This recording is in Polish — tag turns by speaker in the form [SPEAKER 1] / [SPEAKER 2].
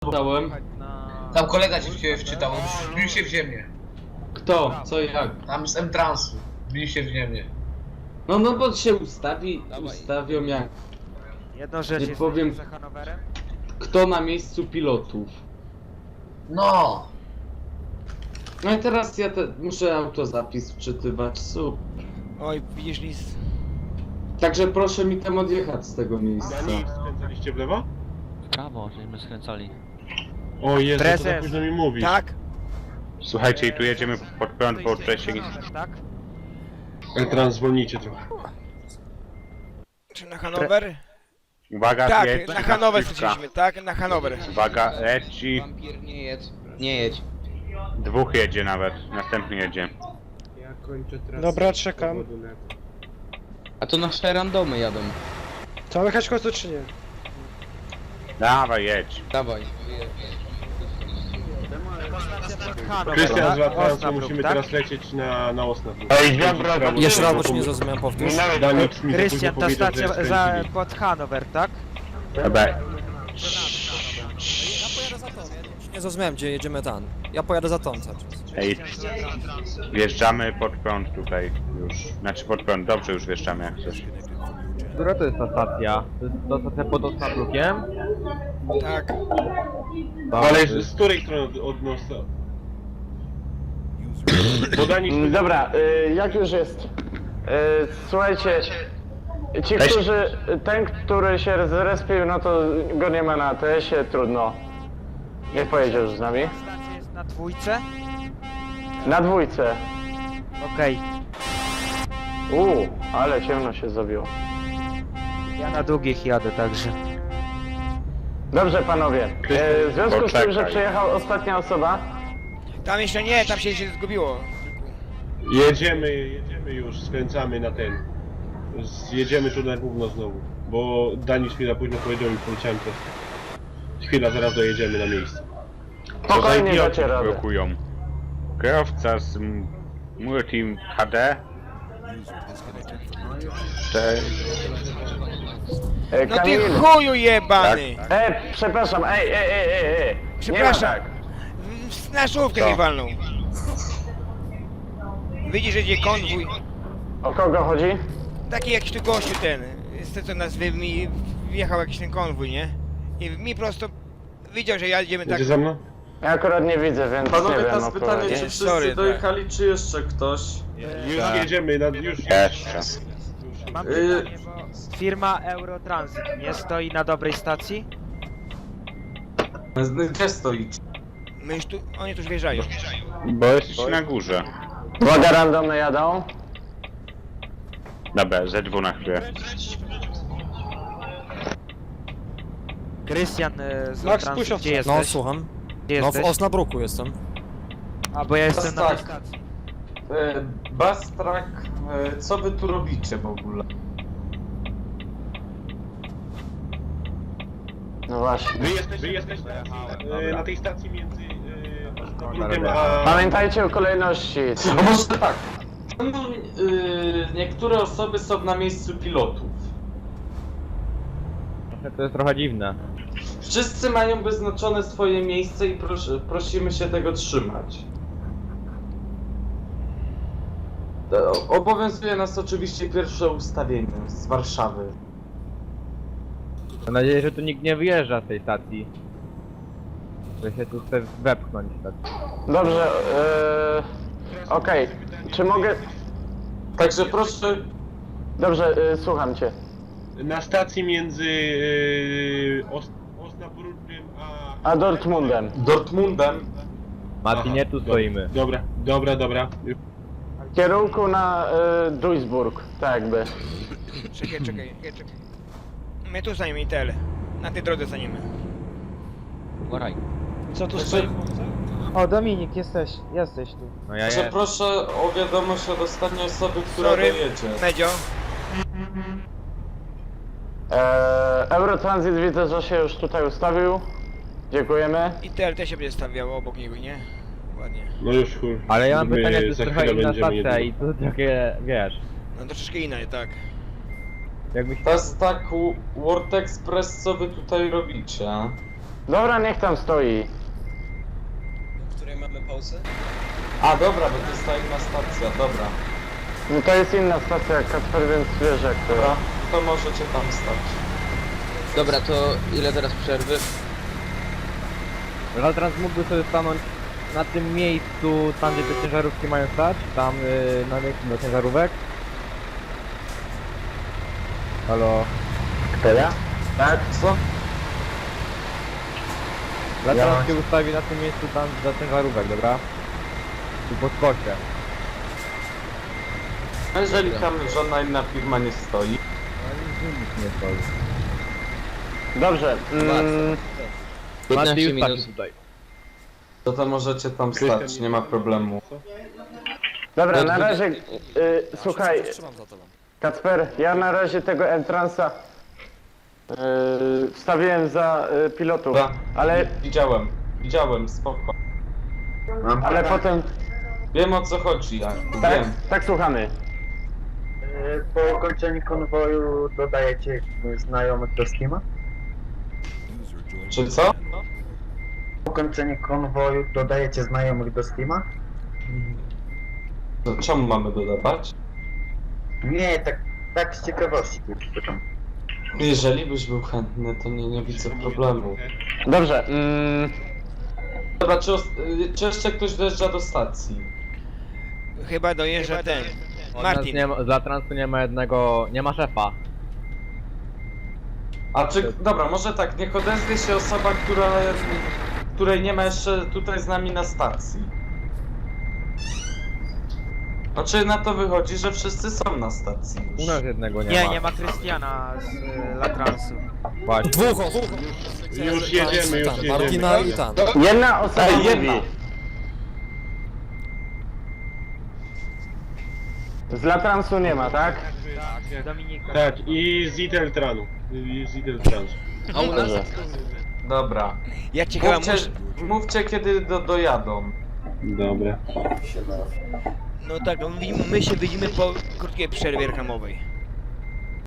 [SPEAKER 1] Dałem.
[SPEAKER 2] Tam kolega cię wczytał, wbił się w ziemię.
[SPEAKER 1] Kto? Co i jak?
[SPEAKER 2] Tam z M-Transu. Wbił się w ziemię.
[SPEAKER 1] No bo się ustawią jak...
[SPEAKER 3] Jedną rzecz
[SPEAKER 1] Nie
[SPEAKER 3] jest
[SPEAKER 1] powiem.
[SPEAKER 3] za Hanowerem.
[SPEAKER 1] Kto na miejscu pilotów?
[SPEAKER 2] No!
[SPEAKER 1] No i teraz ja muszę autozapis wczytywać,
[SPEAKER 3] Oj, widzisz list.
[SPEAKER 1] Także proszę mi tam odjechać z tego miejsca.
[SPEAKER 4] Dani, skręcaliście w lewo?
[SPEAKER 5] Prawo, żeśmy skręcali.
[SPEAKER 4] O Jezu, to za
[SPEAKER 3] Prezes.
[SPEAKER 4] późno mi mówisz.
[SPEAKER 3] Tak?
[SPEAKER 6] Słuchajcie, i tu jedziemy pod prąd, bo wcześniej...
[SPEAKER 3] Tak?
[SPEAKER 4] Trans, zwolnijcie trochę.
[SPEAKER 3] Czy na Hanower?
[SPEAKER 6] Uwaga,
[SPEAKER 3] Tak,
[SPEAKER 6] jedź,
[SPEAKER 3] na Hanower
[SPEAKER 6] piwka.
[SPEAKER 3] straciliśmy, tak? Na Hanower.
[SPEAKER 6] Uwaga, leci.
[SPEAKER 7] Wampir, nie jedź. Nie jedź.
[SPEAKER 6] Dwóch jedzie nawet, następny jedzie.
[SPEAKER 4] Ja kończę trasę.
[SPEAKER 8] Dobra, czekam.
[SPEAKER 7] A to nasze randomy jadą.
[SPEAKER 8] Trzeba jechać w końcu czy nie?
[SPEAKER 6] Dawaj, jedź.
[SPEAKER 7] Dawaj.
[SPEAKER 3] Hanower,
[SPEAKER 4] Krystian z
[SPEAKER 3] tak?
[SPEAKER 4] Latransu,
[SPEAKER 3] Osnabrück,
[SPEAKER 4] musimy
[SPEAKER 3] tak?
[SPEAKER 4] teraz lecieć na Osnabrück.
[SPEAKER 6] Ej, dobra,
[SPEAKER 9] Jeszcze raz, bo ci nie zrozumiałem, powtórz.
[SPEAKER 4] Dani, nic mi za
[SPEAKER 3] Krystian,
[SPEAKER 4] późno
[SPEAKER 3] ta
[SPEAKER 4] powiedział, że
[SPEAKER 3] stacja za,
[SPEAKER 4] skręcili.
[SPEAKER 3] pod Hanower, tak?
[SPEAKER 6] Dobra.
[SPEAKER 9] Ja pojadę za tą, ja nie zrozumiałem, gdzie jedziemy tam. Ja pojadę za tą cały czas.
[SPEAKER 6] Ej, wjeżdżamy pod prąd tutaj już. Znaczy pod prąd, dobrze już wjeżdżamy jak chcesz.
[SPEAKER 10] Która to jest ta stacja? To jest ta stacja pod Osnabrückiem?
[SPEAKER 3] Tak.
[SPEAKER 4] Ale z której strony od nosa? Bo Dani...
[SPEAKER 8] Dobra, jak już jest? Słuchajcie, ci,
[SPEAKER 6] Cześć.
[SPEAKER 8] którzy, ten, który się zrespił, no to go nie ma na TS-ie, trudno. Nie pojedzie już z nami.
[SPEAKER 3] Stacja jest na dwójce?
[SPEAKER 8] Na dwójce.
[SPEAKER 3] Okej.
[SPEAKER 8] Ale ciemno się zrobiło.
[SPEAKER 3] Ja na długich jadę także.
[SPEAKER 8] Dobrze, panowie. W związku z tym, że
[SPEAKER 6] Poczekaj.
[SPEAKER 8] przyjechała ostatnia osoba,
[SPEAKER 3] Tam jeszcze nie, tam się zgubiło.
[SPEAKER 4] Jedziemy już, skręcamy na ten. Jedziemy tu na gówno znowu. Bo Dani chwila późno powiedział i poleciałem też. Chwila, zaraz dojedziemy na miejsce.
[SPEAKER 8] spokojnie dacie radę.
[SPEAKER 6] blokują. Kierowca z Multim HD. Cześć.
[SPEAKER 3] No ty
[SPEAKER 8] Kamil.
[SPEAKER 3] chuju jebany!
[SPEAKER 8] Przepraszam,
[SPEAKER 3] Przepraszam.
[SPEAKER 8] Nie ma tak.
[SPEAKER 3] Na żółwkę
[SPEAKER 6] Co?
[SPEAKER 3] mi walnął. Widzisz, że idzie konwój.
[SPEAKER 8] O kogo chodzi?
[SPEAKER 3] Taki jakiś tu gościu ten. Z co nas mi wjechał jakiś ten konwój, nie? I mi prosto widział, że jedziemy tak.
[SPEAKER 4] Jedzie za mną?
[SPEAKER 8] Ja akurat nie widzę, więc
[SPEAKER 1] Panowie,
[SPEAKER 8] nie wiem.
[SPEAKER 1] teraz pytanie,
[SPEAKER 8] odpowiedzi.
[SPEAKER 1] czy wszyscy
[SPEAKER 3] Sorry,
[SPEAKER 1] dojechali, czy jeszcze ktoś?
[SPEAKER 4] Już jedziemy, już.
[SPEAKER 6] Jeszcze.
[SPEAKER 3] Mam pytanie, bo firma Eurotransit nie stoi na dobrej stacji?
[SPEAKER 1] Gdzie stoicie?
[SPEAKER 3] My już tu, oni tu już wjeżdżają.
[SPEAKER 6] Bo jesteś na górze.
[SPEAKER 8] Uwaga, randomy jadą.
[SPEAKER 6] Dobra, Z2 na chwilę.
[SPEAKER 3] Krystian z
[SPEAKER 8] Max,
[SPEAKER 3] Transit,
[SPEAKER 8] puść
[SPEAKER 3] gdzie
[SPEAKER 9] No,
[SPEAKER 3] jesteś?
[SPEAKER 9] słucham.
[SPEAKER 3] Gdzie
[SPEAKER 9] No, w
[SPEAKER 3] jesteś?
[SPEAKER 9] Osnabrucku jestem.
[SPEAKER 3] A, bo ja jestem na tej
[SPEAKER 1] Tak.
[SPEAKER 3] stacji.
[SPEAKER 1] Bastrak, co wy tu robicie w ogóle?
[SPEAKER 8] No właśnie.
[SPEAKER 4] Wy jesteście na tej stacji między Osnabrückem a...
[SPEAKER 8] Pamiętajcie o kolejności.
[SPEAKER 1] No może tak. Niektóre osoby są na miejscu pilotów.
[SPEAKER 10] To jest trochę dziwne.
[SPEAKER 1] Wszyscy mają wyznaczone swoje miejsce i prosimy się tego trzymać. Obowiązuje nas oczywiście pierwsze ustawienie z Warszawy.
[SPEAKER 10] Mam nadzieję, że tu nikt nie wyjeżdża z tej stacji. Że się tu chce wepchnąć tak.
[SPEAKER 8] Dobrze, okej. Czy mogę...
[SPEAKER 1] Także proszę.
[SPEAKER 8] Dobrze, słucham cię.
[SPEAKER 4] Na stacji między Osnabrückem a...
[SPEAKER 8] A Dortmundem.
[SPEAKER 1] Dortmundem.
[SPEAKER 10] Mati, nie tu stoimy.
[SPEAKER 4] Dobra.
[SPEAKER 8] W kierunku na Duisburg, tak jakby.
[SPEAKER 3] Czekaj. My tu staniemy ITL. Na tej drodze staniemy.
[SPEAKER 5] Uważaj.
[SPEAKER 8] Co tu
[SPEAKER 1] Także,
[SPEAKER 8] O, Dominik, jesteś tu.
[SPEAKER 10] No ja
[SPEAKER 1] także proszę o wiadomość od ostatniej osoby, która
[SPEAKER 3] Sorry,
[SPEAKER 1] dojedzie.
[SPEAKER 3] Medzio.
[SPEAKER 8] Eurotransit widzę, że się już tutaj ustawił. Dziękujemy.
[SPEAKER 3] ITL też się będzie stawiał obok niego, nie? Ładnie.
[SPEAKER 4] No już chuj.
[SPEAKER 10] Ale ja mam
[SPEAKER 4] My
[SPEAKER 10] pytanie, to jest
[SPEAKER 4] za
[SPEAKER 10] trochę
[SPEAKER 4] chwilę
[SPEAKER 10] inna
[SPEAKER 4] będziemy
[SPEAKER 10] stacja
[SPEAKER 4] jedyni.
[SPEAKER 10] i to takie, wiesz...
[SPEAKER 3] No troszeczkę inaczej, tak.
[SPEAKER 10] Jakbyś...
[SPEAKER 1] To jest tak World Express, co wy tutaj robicie?
[SPEAKER 8] Dobra, niech tam stoi.
[SPEAKER 9] W której mamy pauzę?
[SPEAKER 1] A dobra, bo to jest ta inna stacja, dobra.
[SPEAKER 8] No to jest inna stacja jak Kacper, więc wiesz jak to
[SPEAKER 1] Dobra,
[SPEAKER 8] jest.
[SPEAKER 1] to możecie tam stać.
[SPEAKER 7] Dobra, to ile teraz przerwy?
[SPEAKER 10] Latrans mógłby sobie stanąć na tym miejscu, tam gdzie te ciężarówki mają stać, tam na miejscu do ciężarówek. Halo?
[SPEAKER 8] Kto ja?
[SPEAKER 1] Tak? Co?
[SPEAKER 10] Latrans się ustawi na tym miejscu tam za ciężarówek, dobra? Tu pod kosie.
[SPEAKER 1] A jeżeli tam żadna inna firma nie stoi,
[SPEAKER 10] Nic nie stoi.
[SPEAKER 8] Dobrze.
[SPEAKER 10] Mati
[SPEAKER 7] 15
[SPEAKER 10] już
[SPEAKER 7] minut.
[SPEAKER 10] taki tutaj.
[SPEAKER 1] to możecie tam stać, nie ma problemu.
[SPEAKER 8] Dobra, na razie, słuchaj,
[SPEAKER 9] Trzymam za tobą.
[SPEAKER 8] Kacper, ja na razie tego entrance'a wstawiłem za pilotów,
[SPEAKER 1] Dobra.
[SPEAKER 8] ale
[SPEAKER 1] Spoko.
[SPEAKER 8] potem,
[SPEAKER 1] Wiem o co chodzi, ja
[SPEAKER 8] tak,
[SPEAKER 1] wiem.
[SPEAKER 8] tak słuchamy.
[SPEAKER 11] Po ukończeniu konwoju dodajecie znajomych do Steama?
[SPEAKER 1] Czy co?
[SPEAKER 11] Po ukończeniu konwoju dodajecie znajomych do Steama?
[SPEAKER 1] To czemu mamy dodawać?
[SPEAKER 11] Nie, tak z ciekawości tylko pytam.
[SPEAKER 1] Jeżeli byś był chętny, to nie widzę problemu.
[SPEAKER 8] Dobrze,
[SPEAKER 1] Dobra, czy jeszcze ktoś dojeżdża do stacji?
[SPEAKER 3] Chyba dojeżdża ten. Martin.
[SPEAKER 10] Z Latransu nie ma jednego, nie ma szefa.
[SPEAKER 1] A czy, dobra, może tak, niech odezwie się osoba, której nie ma jeszcze tutaj z nami na stacji. Znaczy na to wychodzi, że wszyscy są na stacji
[SPEAKER 10] U
[SPEAKER 1] już.
[SPEAKER 10] nas jednego nie ma.
[SPEAKER 3] Nie ma Krystiana z Latransu.
[SPEAKER 10] Właśnie.
[SPEAKER 9] Dwóch osób!
[SPEAKER 4] Już jedziemy, już jedziemy.
[SPEAKER 9] Martina i Tan.
[SPEAKER 8] jedna osoba
[SPEAKER 1] Ej,
[SPEAKER 8] mówi.
[SPEAKER 1] jedna.
[SPEAKER 8] Z Latransu nie ma, tak?
[SPEAKER 3] Dominika.
[SPEAKER 4] Tak, i z Iteltranu. I z Iteltranu.
[SPEAKER 7] A u nas?
[SPEAKER 1] Dobra.
[SPEAKER 3] Ja ci chyba muszę...
[SPEAKER 1] Mówcie kiedy dojadą.
[SPEAKER 4] Dobra.
[SPEAKER 3] No tak, my się widzimy po krótkiej przerwie reklamowej.